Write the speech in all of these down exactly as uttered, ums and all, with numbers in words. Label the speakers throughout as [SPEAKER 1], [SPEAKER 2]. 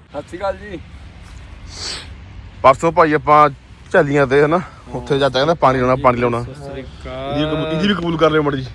[SPEAKER 1] ਸਤਿ ਸ਼੍ਰੀ ਅਕਾਲ ਜੀ।
[SPEAKER 2] ਪਰਸੋਂ ਭਾਈ ਆਪਾਂ ਝੱਲੀਆਂ ਤੇ ਹਨਾ ਉੱਥੇ ਜਾ ਕਹਿੰਦਾ ਪਾਣੀ ਲਾਉਣਾ ਪਾਣੀ ਲਾਉਣਾ ਇਹਦੀ ਵੀ ਕਬੂਲ ਕਰ ਲਿਓ ਮੜੀ ਜੀ।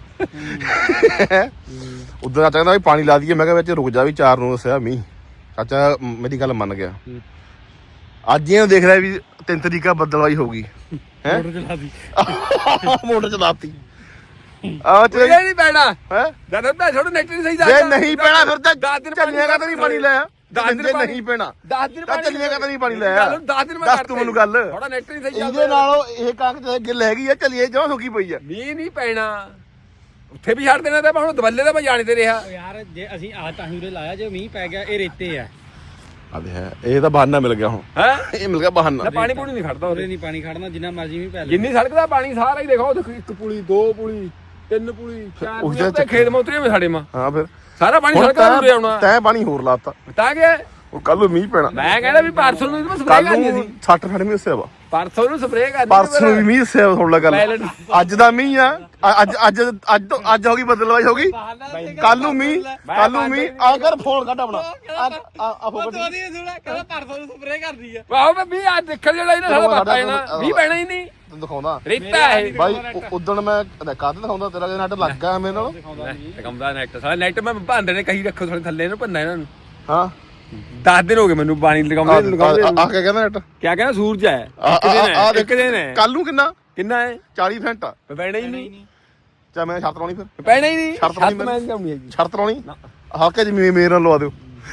[SPEAKER 2] ਉਦੋਂ ਚਾਚਾ ਕਹਿੰਦਾ ਵੀ ਪਾਣੀ ਲਾ ਦਈਏ। ਮੈਂ ਕਿਹਾ ਵਿੱਚ ਰੁਕ ਜਾ ਵੀ ਚਾਰ ਨੂੰ ਦੱਸਿਆ ਮੀਂਹ। ਚਾਚਾ ਮੇਰੀ ਗੱਲ ਮੰਨ ਗਿਆ। ਅੱਜ ਇਹਨੂੰ ਦੇਖ ਰਿਹਾ ਵੀ ਤਿੰਨ ਤਰੀਕਾ ਬੱਦਲਵਾਈ ਹੋਊਗੀ ਹੈ।
[SPEAKER 1] ਮੋਟਰ ਚਲਾ ਦੀ
[SPEAKER 2] ਮੋਟਰ ਚਲਾਤੀ ਆ ਤੇ
[SPEAKER 1] ਨਹੀਂ ਪੈਣਾ
[SPEAKER 2] ਹੈ
[SPEAKER 1] ਜਦ ਮੈਂ ਥੋੜਾ ਨੈਟ ਨਹੀਂ ਸਹੀ
[SPEAKER 2] ਜੇ ਨਹੀਂ ਪੈਣਾ ਫਿਰ ਤਾਂ
[SPEAKER 1] ਦਸ ਦਿਨ
[SPEAKER 2] ਝੱਲੀਆਂ ਕਾ ਤਾਂ ਨਹੀਂ ਪਾਣੀ ਲਾਇਆ।
[SPEAKER 1] ਦਸ ਦਿਨ
[SPEAKER 2] ਜੇ ਨਹੀਂ ਪੈਣਾ
[SPEAKER 1] ਦਸ ਦਿਨ
[SPEAKER 2] ਤਾਂ ਝੱਲੀਆਂ ਕਾ ਤਾਂ ਨਹੀਂ ਪਾਣੀ ਲਾਇਆ।
[SPEAKER 1] ਦਸ ਦਿਨ ਮੈਂ
[SPEAKER 2] ਦੱਸ ਤੂੰ ਮੈਨੂੰ ਗੱਲ
[SPEAKER 1] ਥੋੜਾ ਨੈਟ ਨਹੀਂ ਸਹੀ
[SPEAKER 2] ਇਹਦੇ ਨਾਲੋਂ ਇਹ ਕਾਕ ਤੇ ਗਿੱਲ ਹੈਗੀ ਆ ਝੱਲੀਏ ਜਮਾਂ ਸੁੱਕੀ ਪਈ ਆ।
[SPEAKER 1] ਮੀਂਹ ਨਹੀਂ ਪੈਣਾ ਉੱਥੇ ਵੀ ਛੱਡ ਦੇਣਾ ਤਾਂ ਹੁਣ ਦਵੱਲੇ ਦਾ ਮੈਂ ਜਾਣੇ ਤੇ ਰਿਹਾ
[SPEAKER 3] ਯਾਰ ਜੇ ਅਸੀਂ ਆ ਤਾਂ ਹੀ ਉਰੇ ਲਾਇਆ ਜੇ ਮੀਂਹ ਪੈ ਗਿਆ ਇਹ ਰੇਤੇ ਆ
[SPEAKER 2] ਅਬੇ ਹੈ ਇਹ ਤਾਂ ਬਹਾਨਾ ਮਿਲ ਗਿਆ ਹੁਣ
[SPEAKER 1] ਹੈ
[SPEAKER 2] ਇਹ ਮਿਲ ਗਿਆ ਬਹਾਨਾ।
[SPEAKER 1] ਪਾਣੀ ਪੂਣੀ ਨਹੀਂ ਖੜਦਾ
[SPEAKER 3] ਉਰੇ ਨਹੀਂ ਪਾਣੀ ਖੜਨਾ ਜਿੰਨਾ ਮਰਜ਼ੀ ਮੀਂਹ ਪੈ ਲੈ
[SPEAKER 1] ਜਿੰਨੀ ਸੜਕ ਦਾ ਪਾਣੀ ਸਾਰਾ ਹੀ ਦੇਖੋ ਦੇਖੋ ਇੱਕ ਪੁਲੀ ਦੋ ਪੁਲੀ ਤਿੰਨ ਪੁਲੀ ਚਾਰ ਪੁਲੀ ਤੇ ਖੇਤ ਮਾ ਉਤਰੇ ਸਾਡੇ ਮਾ
[SPEAKER 2] ਹਾਂ ਫਿਰ
[SPEAKER 1] ਸਾਰਾ ਪਾਣੀ ਸੜਕ ਦਾ ਉਰੇ ਆਉਣਾ
[SPEAKER 2] ਤੈਂ ਪਾਣੀ ਹੋਰ ਲਾਤਾ
[SPEAKER 1] ਤਾਂ ਕਿ
[SPEAKER 2] ਉਹ ਕੱਲ ਨੂੰ ਮੀਂਹ ਪੈਣਾ।
[SPEAKER 1] ਮੈਂ ਕਹਿੰਦਾ ਵੀ ਪਰਸੋਂ ਨੂੰ ਮੈਂ ਸਪਰੇਅ
[SPEAKER 2] ਕੱਲ
[SPEAKER 1] ਕਰਨੀ
[SPEAKER 2] ਨੂੰ
[SPEAKER 1] ਸੀ
[SPEAKER 2] ਸੱਠ ਫੜ ਮੀਂਹ ਸਿਆ ਵਾ
[SPEAKER 1] ਪਰਸੋਂ ਨੂੰ ਸਪਰੇਅ ਕਰਨੀ
[SPEAKER 2] ਪਰਸੋਂ ਨੂੰ ਵੀ ਮੀਂਹ ਸਿਆ ਥੋੜਾ ਗੱਲ ਅੱਜ ਦਾ ਮੀਂਹ ਆ ਅੱਜ ਅੱਜ ਅੱਜ ਤੋਂ ਅੱਜ ਹੋ ਗਈ ਬਦਲਵਾਈ ਹੋ ਗਈ ਕੱਲ ਨੂੰ ਮੀਂਹ ਕੱਲ ਨੂੰ ਮੀਂਹ ਆ ਕਰ ਫੋਨ ਕੱਢ ਆਪਣਾ ਆ ਆ ਫੋਨ ਕੱਢ
[SPEAKER 3] ਕਹਿੰਦਾ ਪਰਸੋਂ ਨੂੰ ਸਪਰੇਅ ਕਰਦੀ ਆ
[SPEAKER 1] ਵਾਹ ਮੈਂ ਮੀਂਹ ਅੱਜ ਦੇਖਣ ਜਿਹੜਾ ਇਹਨਾਂ ਸਾਡਾ ਬਾਤਾ ਜਾਣਾ ਮੀਂਹ ਪੈਣਾ ਹੀ ਨਹੀਂ
[SPEAKER 2] ਤੈਨੂੰ ਦਿਖਾਉਂਦਾ
[SPEAKER 1] ਰੇਤਾ ਹੈ
[SPEAKER 2] ਬਾਈ ਉਦੋਂ ਮੈਂ ਕਾਹਦੇ ਦਿਖਾਉਂਦਾ ਤੇਰਾ ਨੈਟ ਲੱਗ ਗਿਆ ਮੇਰੇ ਨਾਲ
[SPEAKER 1] ਕੰਮਦਾ ਨੈਟ ਸਾਰਾ ਨੈਟ ਮੈਂ ਭਾਂਦੇ ਨੇ ਕਹੀ ਰੱਖੋ ਥੋੜੇ ਥੱਲੇ ਨੂੰ ਭੰਨਾ ਇਹਨਾਂ ਨੂੰ
[SPEAKER 2] ਹਾਂ
[SPEAKER 1] ਦਸ ਦਿਨ ਹੋ ਗਏ ਮੈਨੂੰ ਪਾਣੀ ਲਗਾਉਂਦੇ ਲਗਾਉਂਦੇ
[SPEAKER 2] ਆ ਕੇ ਕਹਿੰਦਾ ਨੈਟ
[SPEAKER 1] ਕਿਆ ਕਹਿੰਦਾ ਸੂਰਜ ਹੈ ਇੱਕ ਦਿਨ ਹੈ ਇੱਕ ਦਿਨ ਹੈ
[SPEAKER 2] ਕੱਲ ਨੂੰ ਕਿੰਨਾ
[SPEAKER 1] ਕਿੰਨਾ ਹੈ
[SPEAKER 2] ਚਾਲੀ ਫੈਂਟ ਆ
[SPEAKER 1] ਪੈਣਾ ਹੀ ਨਹੀਂ
[SPEAKER 2] ਚਾ ਮੈਂ ਸ਼ਰਤ ਲਾਉਣੀ ਫਿਰ
[SPEAKER 1] ਪੈਣਾ ਹੀ ਨਹੀਂ
[SPEAKER 2] ਸ਼ਰਤ ਲਾਉਣੀ
[SPEAKER 1] ਮੈਂ ਨਹੀਂ ਹੈਗੀ
[SPEAKER 2] ਸ਼ਰਤ ਲਾਉਣੀ ਹਾਕੇ ਜਿਵੇਂ ਮੇਰੇ ਨਾਲ ਲਵਾ ਦਿਓ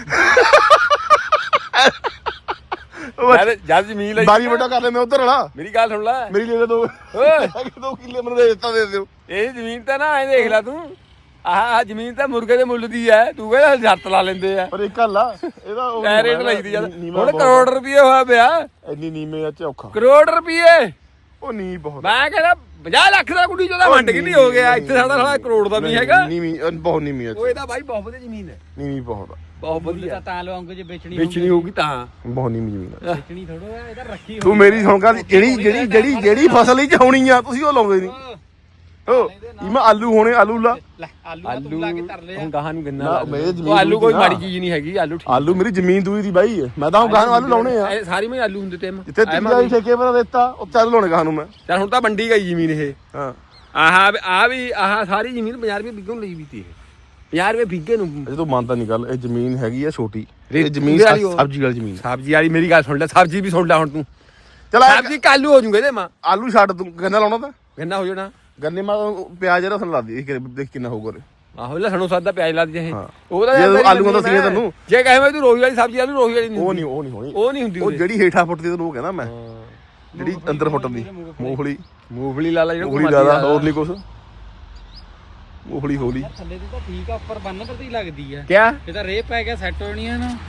[SPEAKER 1] ਜਦ ਜਦ ਜ਼ਮੀਨ ਲਈ
[SPEAKER 2] ਬਾਰੀ ਵੱਡਾ ਕਰ ਲੈ ਮੈਂ ਉਧਰ ਵਾਲਾ
[SPEAKER 1] ਮੇਰੀ ਗੱਲ ਸੁਣ ਲੈ
[SPEAKER 2] ਮੇਰੀ ਲੈ ਲੈ ਦੋ
[SPEAKER 1] ਓਏ
[SPEAKER 2] ਦੋ ਕਿੱਲੇ ਮੈਨੂੰ ਦੇ ਦਿੱਤਾ ਦੇ ਦਿਓ।
[SPEAKER 1] ਇਹ ਜ਼ਮੀਨ ਤਾਂ ਨਾ ਐ ਦੇਖ ਲੈ ਤੂੰ ਆਹ ਜ਼ਮੀਨ ਤਾਂ ਮੁਰਗੇ ਦੇ ਮੁੱਲ ਦੀ ਐ ਤੂੰ ਕਹਿੰਦਾ ਜੱਤ ਲਾ ਲੈਂਦੇ ਆ
[SPEAKER 2] ਪਰ ਇੱਕ ਗੱਲ ਆ ਇਹਦਾ ਉਹ
[SPEAKER 1] ਐ ਰੇਟ ਲਈਦੀ ਜਦ ਹੁਣ ਕਰੋੜ ਰੁਪਏ ਹੋਇਆ ਪਿਆ
[SPEAKER 2] ਇੰਨੀ ਨੀਵੇਂ ਆ ਔਖਾ
[SPEAKER 1] ਕਰੋੜ ਰੁਪਏ
[SPEAKER 2] ਉਹ ਨੀ ਬਹੁਤ
[SPEAKER 1] ਮੈਂ ਕਹਿੰਦਾ ਪੰਜਾਹ ਲੱਖ ਦਾ ਕੁੜੀ ਚੋਦਾ ਵੰਡ ਕਿੰਨੀ ਹੋ ਗਿਆ ਇੱਥੇ ਸਾਡਾ ਸਾਲਾ ਕਰੋੜ ਦਾ ਵੀ ਹੈਗਾ
[SPEAKER 2] ਨੀਵੀਂ ਬਹੁਤ ਨੀਵੀਂ ਆ
[SPEAKER 1] ਉਹ ਇਹਦਾ ਬਾਈ ਬਹੁਤ ਵਧੀਆ ਜ਼ਮੀਨ ਹੈ
[SPEAKER 2] ਨੀਵੀਂ ਬਹੁਤ ਆ
[SPEAKER 1] ਬਹੁਤ ਵਧੀਆ
[SPEAKER 3] ਤਾਂ ਤਾਂ ਲਵਾਂਗੇ ਜੇ ਵੇਚਣੀ
[SPEAKER 1] ਵੇਚਣੀ ਹੋਊਗੀ ਤਾਂ
[SPEAKER 2] ਬਹੁਤ ਨੀਵੀਂ ਜ਼ਮੀਨ ਆ
[SPEAKER 3] ਵੇਚਣੀ ਥੋੜੋ ਆ ਇਹਦਾ ਰੱਖੀ
[SPEAKER 2] ਤੂੰ ਮੇਰੀ ਸੁਣ ਗੱਲ ਜਿਹੜੀ ਜਿਹੜੀ ਜਿਹੜੀ ਜਿਹੜੀ ਫਸਲ ਹੀ ਚ ਹੋਣੀ ਆ ਤੁਸੀਂ ਉਹ ਲਾਉਂਦੇ ਨਹੀਂ ਓ ਇਮਾ ਆਲੂ ਹੋਣੇ ਆਲੂ ਲਾ
[SPEAKER 3] ਲੈ ਆਲੂ ਤੂੰ ਲਾ ਕੇ ਧਰ ਲਿਆ
[SPEAKER 1] ਹੁਣ ਗਾਹਾਂ ਨੂੰ ਗੰਨਾ
[SPEAKER 2] ਨਾ,
[SPEAKER 1] ਲਾ
[SPEAKER 2] ਮੇਰੇ
[SPEAKER 1] ਲਓ।
[SPEAKER 2] ਜ਼ਮੀਨ
[SPEAKER 1] ਉਹ ਆਲੂ ਕੋਈ
[SPEAKER 2] ਨਾ।
[SPEAKER 1] ਮਾੜੀ ਚੀਜ਼ ਨਹੀਂ ਹੈਗੀ ਆਲੂ ਠੀਕ
[SPEAKER 2] ਆਲੂ ਮੇਰੀ ਜ਼ਮੀਨ ਦੂਈ ਦੀ ਬਾਈ ਮੈਂ ਤਾਂ ਗਾਹਾਂ ਨੂੰ ਆਲੂ ਲਾਉਣੇ ਆ
[SPEAKER 1] ਇਹ ਸਾਰੀ ਮੈਂ ਆਲੂ ਹੁੰਦੇ ਤੇ
[SPEAKER 2] ਜਿੱਥੇ ਤੀਜਾ ਠੇਕੇ ਪਰ ਦਿੱਤਾ ਉਹ ਚੱਲ ਲਾਉਣੇ ਗਾਹਾਂ ਨੂੰ ਮੈਂ
[SPEAKER 1] ਚੱਲ ਹੁਣ ਤਾਂ ਵੰਡੀ ਗਈ ਜ਼ਮੀਨ ਇਹ
[SPEAKER 2] ਹਾਂ
[SPEAKER 1] ਆਹ ਆ ਵੀ ਆਹ ਸਾਰੀ ਜ਼ਮੀਨ ਪੰਜਾਹ ਰੁਪਏ ਬਿੱਗੇ ਨੂੰ ਲਈ ਵੀ ਤੀ ਇਹ ਪੰਜਾਹ ਰੁਪਏ ਬਿੱਗੇ ਨੂੰ
[SPEAKER 2] ਅਜੇ ਤੂੰ ਮੰਨਦਾ ਨਹੀਂ ਗੱਲ ਇਹ ਜ਼ਮੀਨ ਹੈਗੀ ਆ ਛੋਟੀ
[SPEAKER 1] ਰੇਤ
[SPEAKER 2] ਇਹ ਜ਼ਮੀਨ
[SPEAKER 1] ਵਾਲੀ ਉਹ।
[SPEAKER 2] ਸਬਜ਼ੀ ਵਾਲੀ ਜ਼ਮੀਨ
[SPEAKER 1] ਸਬਜ਼ੀ ਵਾਲੀ ਮੇਰੀ ਗੱਲ ਸੁਣ ਲੈ ਸਬਜ਼ੀ ਵੀ ਸੁਣ ਲੈ ਹੁਣ ਤੂੰ
[SPEAKER 2] ਚਲ
[SPEAKER 1] ਸਬਜ਼ੀ ਕਾਲੂ ਹੋ ਜੂਗੇ ਇਹਦੇ ਮਾਂ
[SPEAKER 2] ਆਲੂ ਛੱਡ ਤੂੰ ਗੰਨਾ ਲਾਉਣਾ ਤਾਂ
[SPEAKER 1] ਗੰਨਾ ਹੋ ਜਾਣਾ
[SPEAKER 2] ਗੰਨੇ ਮਾ ਪਿਆਜ਼ ਰਸਨ ਲਾ ਦੀ ਦੇਖ ਕਿੰਨਾ ਹੋਊਗਾ ਉਹਦੇ
[SPEAKER 1] ਆਹੋ ਲਸਣੋਂ ਸਾਦਾ ਪਿਆਜ਼ ਲਾ ਦੇ
[SPEAKER 2] ਹਾਂ।
[SPEAKER 1] ਉਹਦਾ
[SPEAKER 2] ਜੇ ਆਲੂਆਂ ਦਾ ਸੀਗਾ ਤੈਨੂੰ।
[SPEAKER 1] ਜੇ ਕਹੇ ਮੈਂ ਤੂੰ ਰੋਹੀ ਵਾਲੀ ਸਬਜ਼ੀ ਆਲੂ ਰੋਹੀ ਵਾਲੀ ਨਹੀਂ
[SPEAKER 2] ਉਹ ਨਹੀਂ ਉਹ ਨਹੀਂ ਹੋਣੀ
[SPEAKER 1] ਉਹ ਨਹੀਂ ਹੁੰਦੀ
[SPEAKER 2] ਉਹ ਜਿਹੜੀ ਹੇਠਾਂ ਫੁੱਟਦੀ ਤੈਨੂੰ ਉਹ ਕਹਿੰਦਾ ਮੈਂ ਜਿਹੜੀ ਅੰਦਰ ਫੁੱਟਦੀ ਮੂੰਗਫਲੀ
[SPEAKER 1] ਮੂੰਗਫਲੀ ਲਾ ਲਾ ਜਿਹੜਾ
[SPEAKER 2] ਮੂੰਗਫਲੀ ਜ਼ਿਆਦਾ ਹੋਰ ਨਹੀਂ ਕੁਛ ਮੂੰਗਫਲੀ ਹੋਲੀ
[SPEAKER 3] ਥੱਲੇ ਦੀ ਤਾਂ ਠੀਕ ਆ ਉੱਪਰ ਬੰਨ ਪਰ ਦੀ ਲੱਗਦੀ ਆ
[SPEAKER 1] ਕਿਆ
[SPEAKER 3] ਇਹ ਤਾਂ ਰੇਹ ਪੈ ਗਿਆ ਸੈੱਟ ਹੋਣੀ ਆ ਨਾ